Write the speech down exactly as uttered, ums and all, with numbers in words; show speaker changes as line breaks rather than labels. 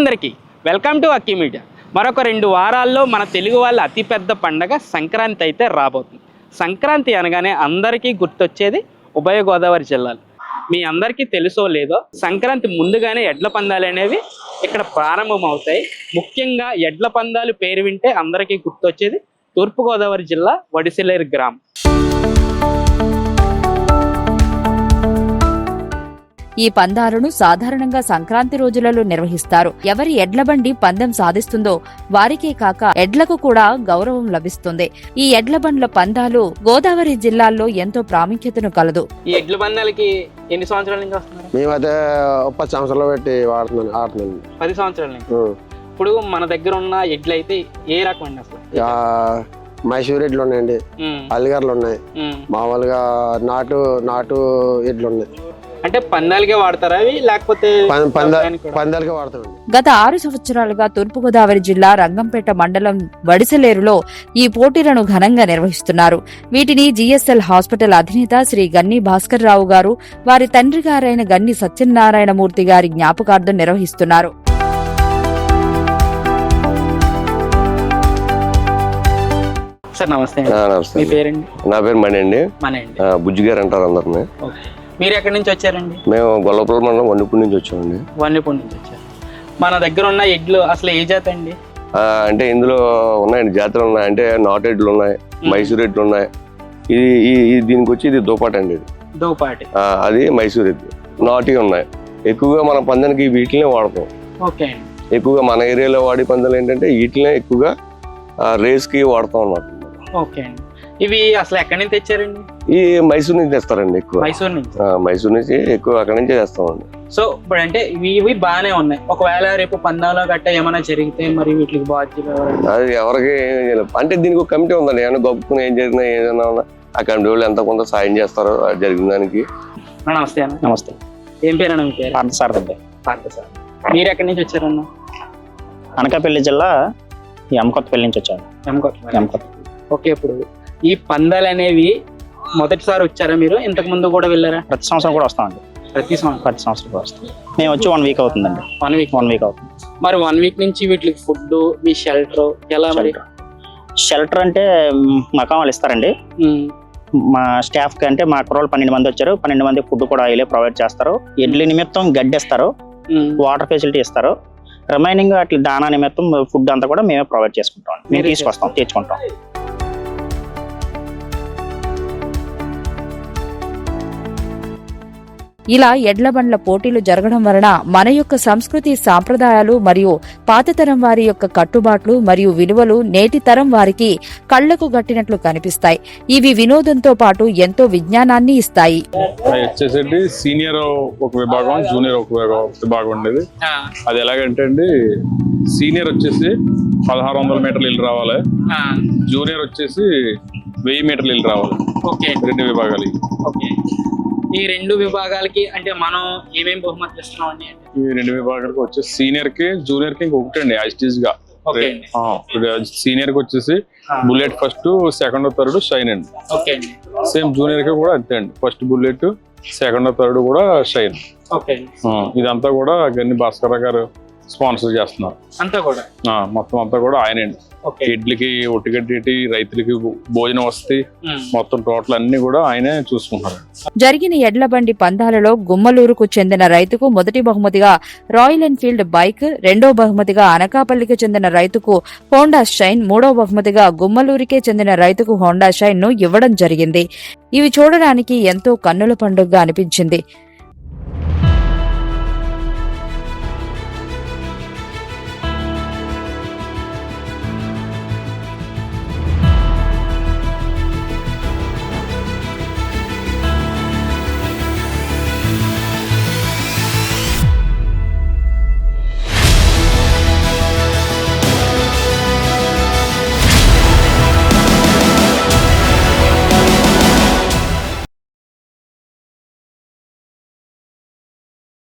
అందరికీ welcome to అక్కీ media. మరొక రెండు వారాల్లో మన తెలుగు వాళ్ళ అతిపెద్ద పండగ సంక్రాంతి అయితే రాబోతుంది. సంక్రాంతి అనగానే అందరికీ గుర్తొచ్చేది ఉభయ గోదావరి జిల్లాలు. మీ అందరికీ తెలుసో లేదో సంక్రాంతి ముందుగానే ఎడ్ల పందాలు అనేవి ఇక్కడ ప్రారంభం అవుతాయి. ముఖ్యంగా ఎడ్ల పందాలు పేరు వింటే అందరికీ గుర్తొచ్చేది తూర్పుగోదావరి జిల్లా వడిసెలేరు గ్రామం.
ఈ పందాలను సాధారణంగా సంక్రాంతి రోజులలో నిర్వహిస్తారు. ఎవరి ఎడ్ల బండి పందెం సాధిస్తుందో వారికే కాక ఎడ్లకు కూడా గౌరవం లభిస్తుంది. ఈ ఎడ్ల బండ్ల పందాలు గోదావరి జిల్లాల్లో ఎంతో ప్రాముఖ్యతను కలదు.
ఈ ఎడ్ల పందాలకి ఎన్ని సంవత్సరాల నుంచి వస్తున్నారు?
మేమైతే పది సంవత్సరాలు పెట్టి వాడుతున్నాను ఆడుతున్నాను
పది సంవత్సరాల నుంచి. ఇప్పుడు మన దగ్గర ఉన్న ఎడ్లు అయితే ఏ రకం అండి? అసలు
మైసూర్ ఎడ్లు ఉన్నాయండి, అల్లిగర్లు ఉన్నాయి, మామూలుగా నాటు నాటు ఎడ్లు ఉన్నాయి.
అంటే పందాలకే వాడతారా అవి, లేకపోతే
పందాలకే వాడతామండి.
గత ఆరు సంవత్సరాలుగా తూర్పుగోదావరి జిల్లా రంగంపేట మండలం వడిసెలేరులో ఈ పోటీలను ఘనంగా నిర్వహిస్తున్నారు. వీటిని జిఎస్ఎల్ హాస్పిటల్ అధినేత శ్రీ గన్ని భాస్కర్ రావు గారు వారి తండ్రి గారైన గన్ని సత్యనారాయణమూర్తి గారి జ్ఞాపకార్థం నిర్వహిస్తున్నారు.
సార్ నమస్తే. మీ పేరండి?
నా పేరు మణి అండి.
మణి అండి.
బుజ్జి గారు అంటారు అందరినీ.
మీరు ఎక్కడి నుంచి వచ్చారండి?
మేము గొల్లపల్లి మండలం వన్నిపూడి నుంచి వచ్చామండి.
వన్నిపూడి నుంచి వచ్చారు. మన దగ్గర ఉన్న ఎడ్లు అసలు ఏ జాతి అండి?
అంటే ఇందులో ఉన్నాయండి జాతులు ఉన్నాయి. అంటే నాటు ఎడ్లు ఉన్నాయి, మైసూర్ ఎడ్లు ఉన్నాయి. ఇది దీనికి వచ్చి ఇది దోపాటి అండి. ఇది
దోపాటి,
అది మైసూర్ ఎడ్లు. నాటి ఉన్నాయి. ఎక్కువగా మన పందానికి వీటినే వాడతాం.
ఓకే.
ఎక్కువగా మన ఏరియాలో వాడే పందాలు ఏంటంటే వీటినే ఎక్కువగా రేస్ కి వాడతాం అన్నమాట.
ఓకే అండి. ఇవి అసలు ఎక్కడి నుంచి తెచ్చారండి?
ఈ మైసూర్ నుంచి తెస్తారండి ఎక్కువ.
మైసూర్ నుంచి?
మైసూర్ నుంచి ఎక్కువ అక్కడి నుంచే తెస్తామండి.
సో ఇప్పుడు అంటే ఇవి ఇవి బాగానే ఉన్నాయి. ఒకవేళ రేపు పందాలో గట్ట ఏమైనా జరిగితే మరి వీటికి బాధ్యత
అది ఎవరికి అంటే దీనికి ఒక కమిటీ ఉందండి. ఏమైనా గొప్పకుని ఏం జరిగినా ఏదైనా ఉన్నా ఆ కమిటీ వాళ్ళు ఎంత కొంత సాయం చేస్తారో జరిగిన దానికి.
నమస్తే అన్న. నమస్తే. ఏం పేరు అన్న మీ పేరు?
పార్థసారథి అండి.
పార్థసారథి. మీరు ఎక్కడి నుంచి వచ్చారన్న?
అనకాపల్లి జిల్లా ఎమ్కొత్తపల్లి నుంచి వచ్చాను.
ఎమ్కొత్త ఎమ్కొత్త ఓకే. ఇప్పుడు ఈ పందాలు అనేవి మొదటిసారి వచ్చారా మీరు? ఇంతకు ముందు కూడా వెళ్ళారా?
ప్రతి సంవత్సరం కూడా వస్తామండి.
ప్రతి సంవత్సరం
ప్రతి సంవత్సరం కూడా వస్తాం. మేము వచ్చి వన్ వీక్ అవుతుందండి.
వన్ వీక్
వన్ వీక్ అవుతుంది.
మరి వన్ వీక్ నుంచి వీటికి ఫుడ్, మీ షెల్టర్ ఎలా? మరి
షెల్టర్ అంటే మకాం వాళ్ళు ఇస్తారండి. మా స్టాఫ్ కి అంటే మా కుర్రోళ్ళు పన్నెండు మంది వచ్చారు. పన్నెండు మంది ఫుడ్ కూడా వీళ్ళే ప్రొవైడ్ చేస్తారు. ఎడ్ల నిమిత్తం గడ్డి ఇస్తారు, వాటర్ ఫెసిలిటీ ఇస్తారు. రిమైనింగ్ అట్లా దానా నిమిత్తం ఫుడ్ అంతా కూడా మేమే ప్రొవైడ్ చేసుకుంటాం. మేము తీసుకొస్తాం, తెచ్చుకుంటాం.
ఇలా ఎడ్ల బండ్ల పోటీలు జరగడం వలన మన యొక్క సంస్కృతి సాంప్రదాయాలు మరియు పాతతరం వారి యొక్క కట్టుబాట్లు మరియు విలువలు నేటి తరం వారికి కళ్లకు గట్టినట్లు కనిపిస్తాయి. ఇవి వినోదంతో పాటు ఎంతో విజ్ఞానాన్ని ఇస్తాయి.
వచ్చేసండి సీనియర్ ఒక విభాగం, జూనియర్ ఒక విభాగం ఉండేది. అది ఎలాగంటే అండి, సీనియర్ వచ్చేసి పదహారు వందల మీటర్లు ఇల్లు రావాలి, జూనియర్ వచ్చేసి వెయ్యి మీటర్లు ఇల్లు రావాలి. రెండు విభాగాలు.
ఈ రెండు విభాగాలకి అంటే మనం ఏమేమి బహుమతులు ఇస్తున్నాం అండి?
ఈ రెండు విభాగాలకు వచ్చేసి సీనియర్ కి జూనియర్ కి ఇంకొకటి అండి యాజిటీస్ గా. సీనియర్ కి వచ్చేసి bullet first, second third Shine అండి. సేమ్ జూనియర్ కి కూడా అంతే అండి. ఫస్ట్ బుల్లెట్, సెకండ్ థర్డ్ కూడా షైన్. ఇదంతా కూడా గన్ని భాస్కర్ గారు స్పాన్సర్ చేస్తున్నారు.
అంతా కూడా
మొత్తం అంతా కూడా ఆయనండి. ఎడ్లకి ఒట్టిగడ్డి, రైతులకి భోజనం వస్తాయి, మొత్తం టోటల్ అన్ని కూడా ఆయనే చూసుకుంటారు.
జరిగిన ఎడ్ల బండి పందాలలో గుమ్మలూరుకు చెందిన రైతుకు మొదటి బహుమతిగా రాయల్ ఎన్ఫీల్డ్ బైక్, రెండో బహుమతిగా అనకాపల్లికి చెందిన రైతుకు హోండా షైన్, మూడో బహుమతిగా గుమ్మలూరుకే చెందిన రైతుకు హోండా షైన్ ను ఇవ్వడం జరిగింది. ఇవి చూడడానికి ఎంతో కన్నుల పండుగగా అనిపించింది.